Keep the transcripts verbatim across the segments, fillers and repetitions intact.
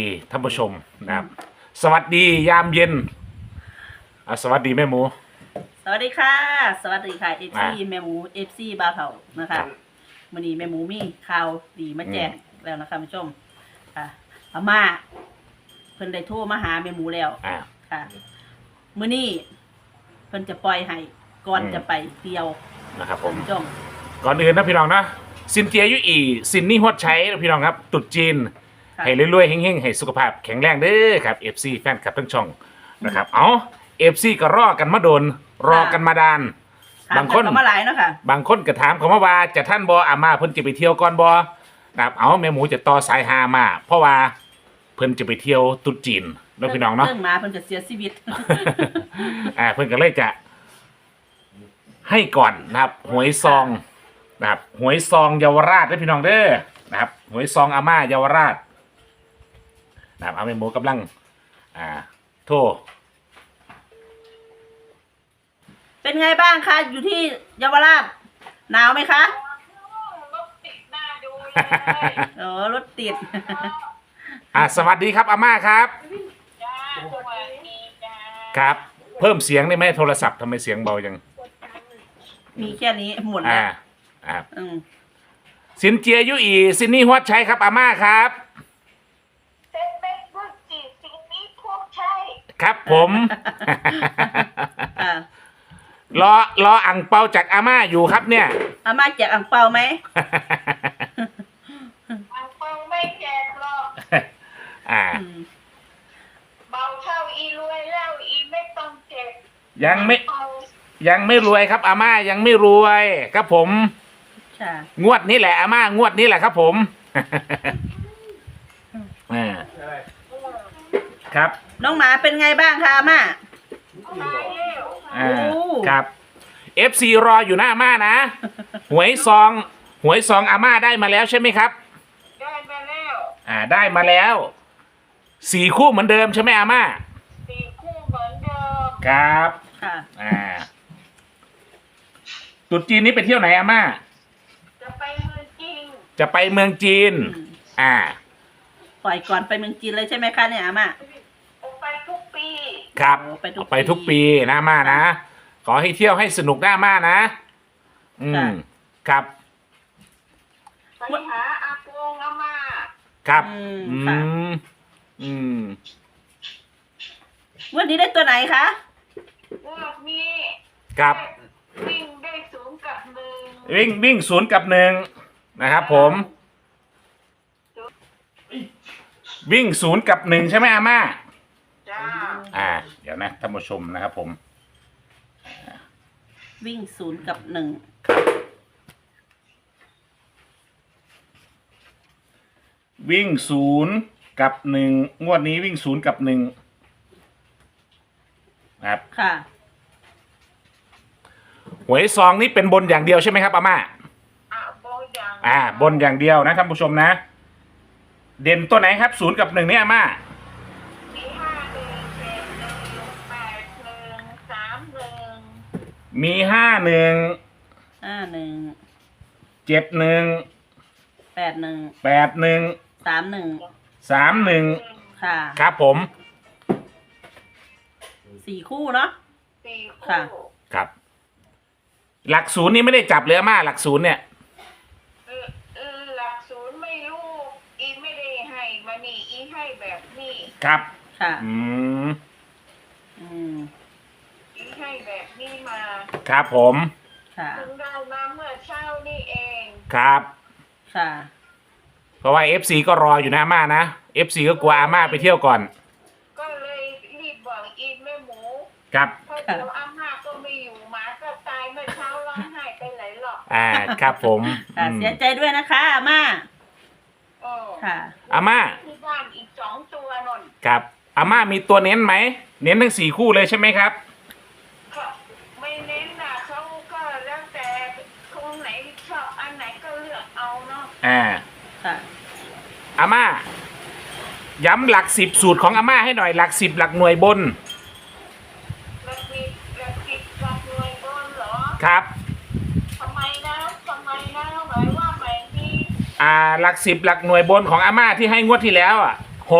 ท่านผู้ชมนะครับสวัสดียามเย็นอ่ะสวัสดีแม่หมูสวัสดีค่ะสวัสดีค่ะเอฟซีอ่าแม่หมูเอฟซีบาวเถานะคะวันนี้แม่หมูมีข่าวดีมาแจ้งแล้วนะคะผู้ชมค่ะอาม่าเพิ่นได้โทรมาหาแม่หมูแล้วอ่าค่ะมื้อนี้เพิ่นจะปล่อยให้ก่อนอืมจะไปเที่ยวนะครับผมผู้ชมก่อนอื่นนะพี่น้องนะซินเจียยุอีซินนี่ฮวดใช้นะพี่น้องครับตรุดจีนค่ะให้รวยๆเฮงๆให้สุขภาพแข็งแรงเด้อครับ เอฟ ซี แฟนคลับทั้งช่องนะครับเอา เอฟ ซี ก็รอกันมาโดนรอกันมาดานถามบางคนกัมาหลายเนาะค่ะบางคนก็ถามเขามาว่าจะท่านบออามาเพิ่นจะไปเที่ยวก่อนบอนะครับเอาแม่หมูจะต่อสายหามา เพราะว่าเพิ่นจะไปเที่ยวตรุษจีนเนาะพี่น้องเนาะเรื่องมาเพิ่นจะเสียชีวิตอ่าเพิ่นก็เลยจะให้ก่อนนะครับหวยซองนะครับหวยซองเยาวราชได้อพี่น้องเด้อนะครับหวยซองอาม่าเยาวราชนะครับเอาแม่หมูกำลังอ่าโทรเป็นไงบ้างคะอยู่ที่เยาวราชหนาวไหมคะรถติดหน้าดูเลยอ๋อรถติดอ่าสวัสดีครับอาม่าครับจ้าสวัสดีจ้าครับ เพิ่มเสียงได้ไหมโทรศัพท์ทำไมเสียงเบาจังมีแค่นี้หมดแล้อ่าว อ่าอืมสินเจียยุอีซินนี่ฮวดใช้ครับอาม่าครับเซ็นเม็ดรุ่นจีสิ่งนี้พวกใช่ครับผมอ่ารอรออ่งเปาจากอาม่าอยู่ครับเนี่ยอาม่าแจกอ่างเปาไหมอังเปาไม่แจกหรอกอ่าอืมเบาเท่าอีรวยแล้วอีไม่ต้องเจ็บยังไม่เอายังไม่รวยครับอาม่ายังไม่รวยครับผมค่ะงวดนี้แหละอาม่างวดนี้แหละครับผม อ่าครับน้องหมาเป็นไงบ้างคะอาม่าตายแล้วอ่าโอ้ครับ เอฟ ซี รออยู่หน้าอาม่านะ หวยซอง หวยซองอาม่าได้มาแล้วใช่ไหมครับได้มาแล้วอ่าได้มาแล้วสี่คู่เหมือนเดิมใช่ไหมอาม่าสี่คู่เหมือนเดิมครับค่ะอ่าตรุษจีนนี้ไปเที่ยวไหนอาม่าจะไปเมืองจริงจะไปเมืองจีนอืมอ่าปล่อยก่อนไปเมืองจีนเลยใช่ไหมคะเนี่ยอาม่าออกไปทุกปีครับโอ้ไปทุกปีไปทุกปีนะอาม่านะ ขอให้เที่ยวให้สนุกหน้าอาม่านะ อืม ครับไปหาอาปงอามาครับอืมอืค่ะม อืมวันนี้ได้ตัวไหนคะพวกนี้ครับวิ่งได้สูงกับหนึ่งวิ่งวิ่งศูนย์กับหนึ่งนะครับผม วิ่งศูนย์กับหนึ่งใช่ไหมอาม่าจ้าอ่า เดี๋ยวนะท่านผู้ชมนะครับผมวิ่งศูนย์กับหนึ่งวิ่งศูนย์กับหนึ่งงวดนี้วิ่งศูนย์กับหนึ่งครับค่ะหวยซองนี่เป็นบนอย่างเดียวใช่ไหมครับอาม่าอ่ะโบยังอ่า บนอย่างเดียวนะท่านผู้ชมนะ เด่นตัวไหนครับศูนย์กับหนึ่งเนี่ยอาม่ามีห้าหนึ่งเจ็ดหนึ่งแปดหนึ่งสามหนึ่งมีห้าหนึ่งห้าหนึ่งเจ็ดหนึ่งแปดหนึ่งแปดหนึ่งสามหนึ่งสามหนึ่งค่ะครับผมสี่คู่เนาะสี่ค่ะคู่ครับ หลักศูนย์นี่ไม่ได้จับเลยอาม่าหลักศูนย์เนี่ยเออเออหลักศูนย์ไม่รู้อีไม่ได้ให้มานี่อีให้แบบนี้ครับค่ะอืมอืมอีให้แบบนี้มาครับผมค่ะถึงได้มาเมื่อเช้านี่เองครับค่ะเพราะว่า เอฟ ซี ก็รออยู่นะอาม่านะ เอฟ ซี ก็กลัวอาม่าไปเที่ยวก่อนก็เลยรีบบอกอีแม่หมูครับเพราะเดี๋ยวอาม่าก็ไม่อยู่หมาก็ตายเมื่อเช้าร้องไห้ไปไหนหรอกอ่า ครับผมค่ะอืมเสียใจด้วยนะคะอาม่าเออค่ะอาม่าที่บ้านอีกสองตัวนนครับอาม่ามีตัวเน้นไหม เน้นทั้งสี่คู่เลยใช่ไหมครับก็ไม่เน้นนะเขาก็แล้วแต่คนไหนชอบอันไหนก็เลือกเอาเนาะอ่าค่ะอาม่า ย้ำหลักสิบสูตรของอาม่าให้หน่อย หลักสิบหลักหน่วยบนระปิดระปิดกับหน่วยบนเหรอครับทำไมนะทำไมนะหมายว่าหมายนี้อ่า หลักสิบหลักหน่วยบนของอาม่าที่ให้งวดที่แล้วอ่ะหก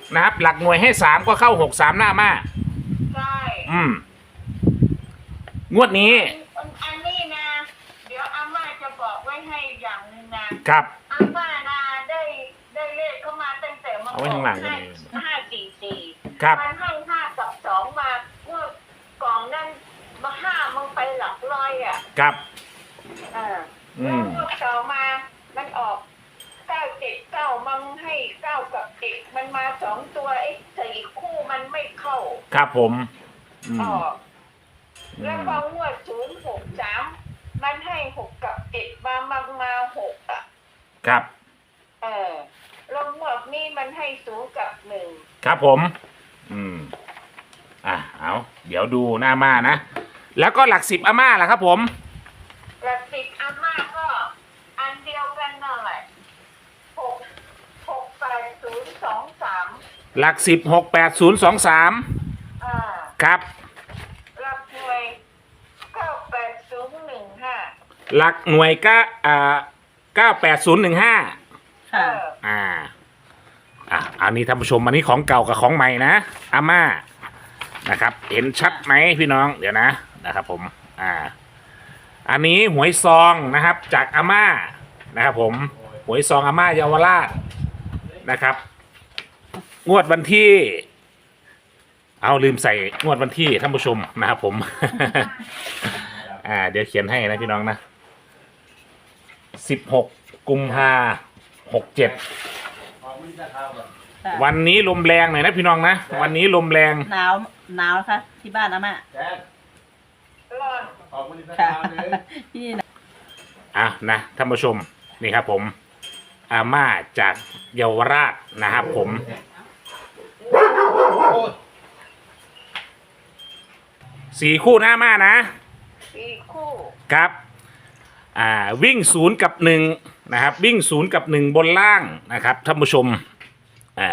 นะครับ หลักหน่วยให้สามก็เข้าหกสามหน้ามาใช่อืมงวดนี้อันอันนี้นะ เดี๋ยวอาม่าจะบอกไว้ให้อย่างหนึงนะครับ อาม่านะได้ได้เลขเข้ามาตั้งแต่มันเอาไว้ข้างหลังก็ห้าได้ห้าสี่สี่ครับมันให้ห้ากับสองมาเมื่อกล่องนั้นมาห้ามันไปหลักร้อยอ่ะครับเอออืแล้วมงวดต่อมามันออกเก้าเจ็ดเก้ามันให้เก้ากับเจ็ดมันมาสองตัวไอ้สี่คู่มันไม่เข้าครับผมอืมออกแล้วพองวดศูนย์หกสามมันให้หกกับเจ็ดมามามาหกอ่ะครับเออแล้วงวดนี้มันให้ศูนย์กับหนึ่งครับผม อืม อ่ะ เอาเดี๋ยวดูหน้ามานะ แล้วก็หลักสิบอาม่าล่ะครับผมกระติกอาม่าก็อันเดียวกันนั่นแหละหกหกแปดศูนย์สองสามหลักสิบหกแปดศูนย์สองสามอ่าครับรับหน่วยเก้าแปดศูนย์หนึ่งห้าหลักหน่วยก็อ่าเก้าแปดศูนย์หนึ่งห้าเอค่ะออ่า อ่ะ อันนี้ท่านผู้ชมอันนี้ของเก่ากับของใหม่นะอาม่านะครับ เห็นชัดไหมพี่น้อง เดี๋ยวนะ นะครับผม อ่า อันนี้หวยซองนะครับ จากอาม่านะครับผม หวยซองอาม่าเยาวราชนะครับ งวดวันที่ เอาลืมใส่งวดวันที่ท่านผู้ชมนะครับผม อ่า เดี๋ยวเขียนให้นะพี่น้องนะสิบหกกุมภาหกเจ็ดค่ะวันนี้ลมแรงหน่อยนะพี่น้องนะ วันนี้ลมแรงหนาวหนาวนะคะที่บ้านอาม่าร้อนค่ะที่นี่นะอ่ะนะท่านผู้ชมนี่ครับผมอาม่าจากเยาวราชนะครับผมสี่คู่หน้าม่านะสี่คู่ครับอ่าวิ่งศูนย์กับหนึ่งนะครับ วิ่งศูนย์กับหนึ่งบนล่างนะครับท่านผู้ชมอ่า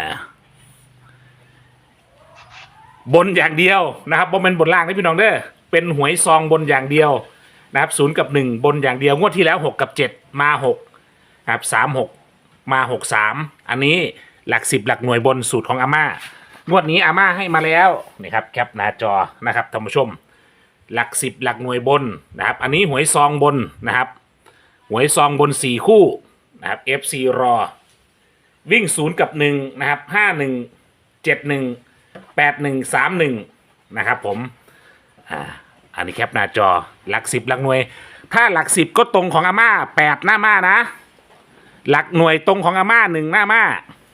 บนอย่างเดียวนะครับบนเป็นบนล่างนะพี่น้องเด้อเป็นหวยซองบนอย่างเดียวนะครับศูนย์กับหนึ่งบนอย่างเดียวงวดที่แล้วหกกับเจ็ดมาหกนะครับสามหกมาหกสามอันนี้หลักสิบหลักหน่วยบนสูตรของอาม่างวดนี้อาม่าให้มาแล้วนี่ครับแคปหน้าจอนะครับท่านผู้ชม หลักสิบหลักหน่วยบนนะครับ อันนี้หวยซองบนนะครับหวยซองบนสี่คู่นะครับ เอฟ ซี รอวิ่งศูนย์กับหนึ่งนะครับห้าหนึ่งเจ็ดหนึ่งแปดหนึ่งสามหนึ่งนะครับผมอ่าอันนี้แคปหน้าจอหลักสิบหลักหน่วย ถ้าหลักสิบก็ตรงของอาม่าแปดหน้าม่านะ หลักหน่วยตรงของอาม่าหนึ่งหน้าม่า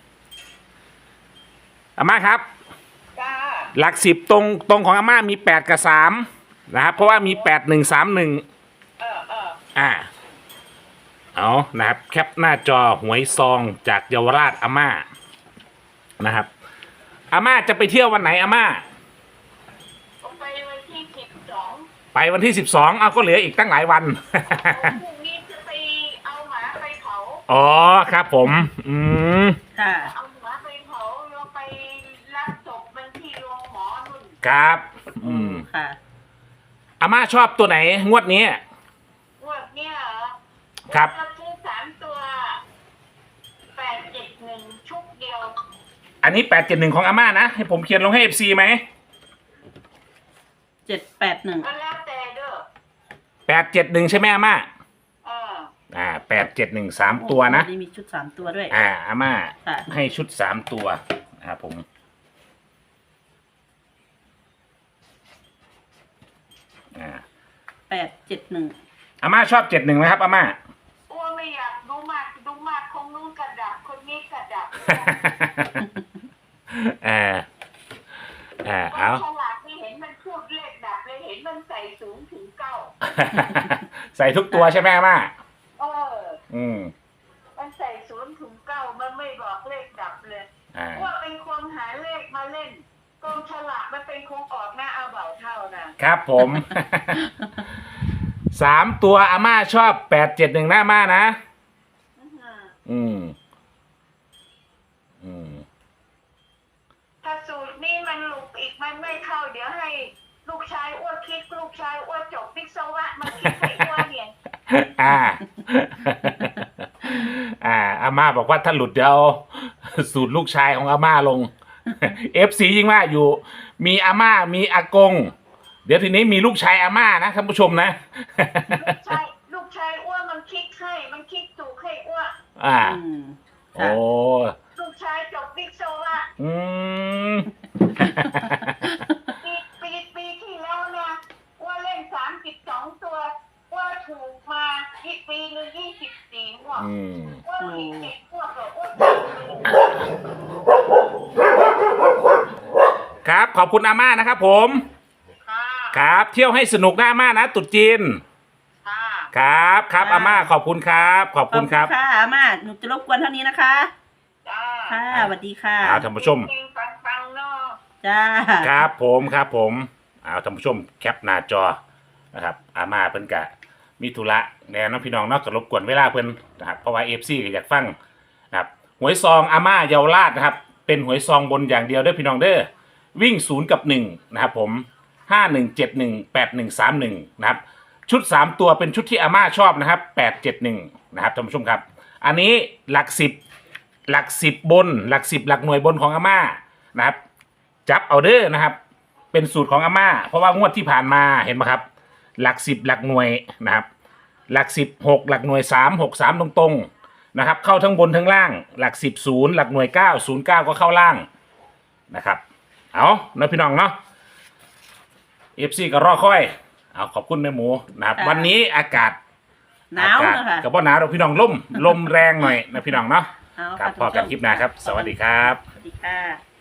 อาม่าครับจ้าหลักสิบตรงตรงของอาม่ามีแปดกับสามนะครับเพราะว่ามีแปดหนึ่งสามหนึ่งเออเอออ่าเอานะครับแคปหน้าจอหวยซองจากเยาวราชอาม่านะครับอาม่าจะไปเที่ยววันไหนอาม่าผมไปวันที่สิบสองไปวันที่สิบสองเอาก็เหลืออีกตั้งหลายวันพรุ่งนี้จะไปเอาหมาไปเผาอ๋อครับผมอืมค่ะเอาหมาไปเผาเราไปรับศพมันที่โรงหมอนุ่นครับอืมค่ะอาม่าชอบตัวไหนงวดนี้งวดเนี้ยเหรอครับเราซื้อสามตัวแปดเจ็ดหนึ่งชุดเดียวอันนี้แปดเจ็ดหนึ่งของอาม่านะให้ผมเขียนลงให้เอฟซีไหมเจ็ดแปดหนึ่งก็แล้วแต่เด้อแปดเจ็ดหนึ่งใช่ไหมอาม่าเอออ่าแปดเจ็ดหนึ่งสามตัวนะนี่มีชุดสามตัวด้วยอ่าอาม่าค่ะให้ชุดสามตัวนะครับผมอ่าแปดเจ็ดหนึ่งอาม่าชอบเจ็ดหนึ่งไหมครับอาม่าอ้วนไม่อยากดูมากดูมากคงนู้นกระดับคนนี้กระดับอ่าอ่าเอาฉลาดไม่เห็นมันพูดเลขดับเลยเห็นมันใส่ศูนย์ถึงเก้าใส่ทุกตัวใช่ไหมอาม่าเอออืมมันใส่ศูนย์ถึงเก้ามันไม่บอกเลขดับเลยอ่าว่าเป็นคนหาเลขมาเล่นกองฉลากมันเป็นคงออกหน้าเอาเบาเท่านะครับผม สามตัวอาม่าชอบแปดเจ็ดหนึ่งหน้าอาม่านะอื้อหืออืม อืมถ้าสูตรนี้มันหลุดอีกมันไม่เข้า เดี๋ยวให้ลูกชายอ้วนคิดลูกชายอ้วนจบวิศวะมาคิดให้อ้วนเนี่ยอ่า อ่า อาม่าบอกว่าถ้าหลุดเดี๋ยวเอาสูตรลูกชายของอาม่าลงเอฟซียิ่งว่าอยู่มีอาม่ามีอากง เดี๋ยวทีนี้มีลูกชายอาม่านะท่านผู้ชมนะลูกชายลูกชายอ้วนมันคิดให้มันคิดถูกให้อ้วนอ่าอืมโอ้ค่ะลูกชายจบวิศวะอืมปีปีปีที่แล้วนะอ้วนเล่นสามสิบสองตัวอ้วนถูกมาที่ปีหนึ่งยี่สิบสี่หัวอืมอ้วนผิดเจ็ดหัวกับอ้วนครับขอบคุณอาม่านะครับผมค่ะครับเที่ยวให้สนุกนะอาม่านะตรุษจีนค่ะครับครับอาม่าขอบคุณครับ ขอบขคุอบณคุครัณบค่ะอามาหนูจะรบกวนเท่านี้นะคะจ้าค่ะสวัสดีค่ะเอาท่านผู้ชมจริงๆฟังๆเนาะจ้าครับผมครับผมเอาท่านผู้ชมแคปหน้าจอนะครับอาม่าเพิ่นกะมีธุระแน่น้องพี่น้องเนอกจากรบกวนเวลาเพิ่นนะครับเพราะว่าเอฟซีก็อยากฟังนะครับหวยซองอาม่าเยาวราชนะครับเป็นหวยซองบนอย่างเดียวเด้อพี่น้องเด้อวิ่งศูนย์กับหนึ่งนะครับผมห้าหนึ่งเจ็ดหนึ่งแปดหนึ่งสามหนึ่งนะครับชุดสามตัวเป็นชุดที่อาม่าชอบนะครับแปดเจ็ดหนึ่งนะครับท่านผู้ชมครับอันนี้หลักสิบหลักสิบบนหลักสิบหลักหน่วยบนของอาม่านะครับ จับเอาเด้อนะครับ เป็นสูตรของอาม่า เพราะว่างวดที่ผ่านมาเห็นไหมครับ หลักสิบหลักหน่วยนะครับ หลักสิบหกหลักหน่วยสามหกสามตรงๆนะครับ เข้าทั้งบนทั้งล่าง หลักสิบศูนย์หลักหน่วยเก้าศูนย์เก้าก็เข้าล่างนะครับ เอาเนาะพี่น้องเนาะเอฟซีก็รอค่อย เอาขอบคุณแม่หมูนะครับค่ะวันนี้อากาศหนาวอากาศนะคะกับว่าหนาวเราพี่น้องลมลมแรงหน่อยนะพี่น้องเนาะเอาครับค่ะพอกันคลิปหน้าครับ สวัสดีครับสวัสดีค่ะ